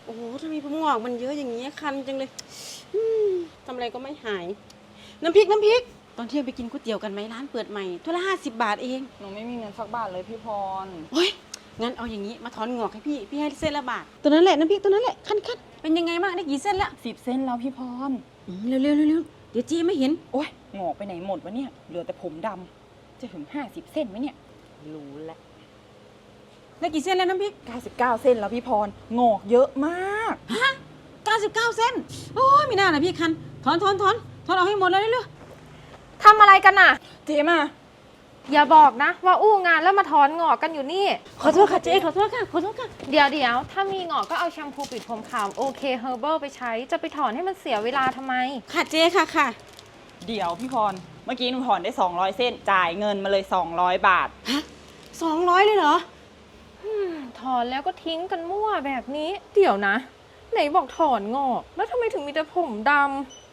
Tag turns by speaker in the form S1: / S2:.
S1: โอ้โหทำไมผมงอกมันเยอะอย่างนี้คันจังเลยอืมทำอะไรก็ไม่หายน้ำพริกตอนเที่ยงไปกินก๋วยเตี๋ยวกันไหมร้านเปิดใหม่ถ้วยละ50 บาทเอง
S2: หนูไม่มีเงินสักบาทเลยพี่พร
S1: โอ้ยงั้นเอาอย่างนี้มาถอนงอกให้พี่ให้เส้นละบาทตัวนั้นแหละน้ำพริกตัวนั้นแหละคันเป็นยังไงบ้างได้กี่เส้นละ
S2: 10 เส้นแล้วพี่พร
S1: เร็วเดี๋ยวจี้ไม่เห็น
S2: โอ้ยงอกไปไหนหมดวะเนี่ยเหลือแต่ผมดำจะถึง50 เส้นไหมเนี่ยรู้แล้ว
S1: ได้กี่เส้นแล้วน้ำพริก
S2: 99 เส้นแล้วพี่พรงอกเยอะมาก
S1: ฮะ99 เส้นโอ้ยไม่น่านะพี่คันถอนเอาให้หมดเลยเร็ว
S3: ทำอะไรกันน่ะ
S2: เจมา
S3: อย่าบอกนะว่าอู้งานแล้วมาถอนงอกกันอยู่นี่
S1: ขอโทษค่ะเจ๊ขอโทษค่ะ
S3: เดี๋ยวถ้ามีงอกก็เอาแชมพูปิดผมขาวโอเคเฮอร์เบิลไปใช้จะไปถอนให้มันเสียเวลาทำไม
S1: ค่ะเจ๊ค่ะ
S2: เดี๋ยวพี่พรเมื่อกี้หนูถอนได้200 เส้นจ่ายเงินมาเลย200 บาท
S1: ฮะ200เลยเหรอ
S3: ถอนแล้วก็ทิ้งกันมั่วแบบนี้ เดี๋ยวนะ ไหนบอกถอนงอก แล้วทำไมถึงมีแต่ผมด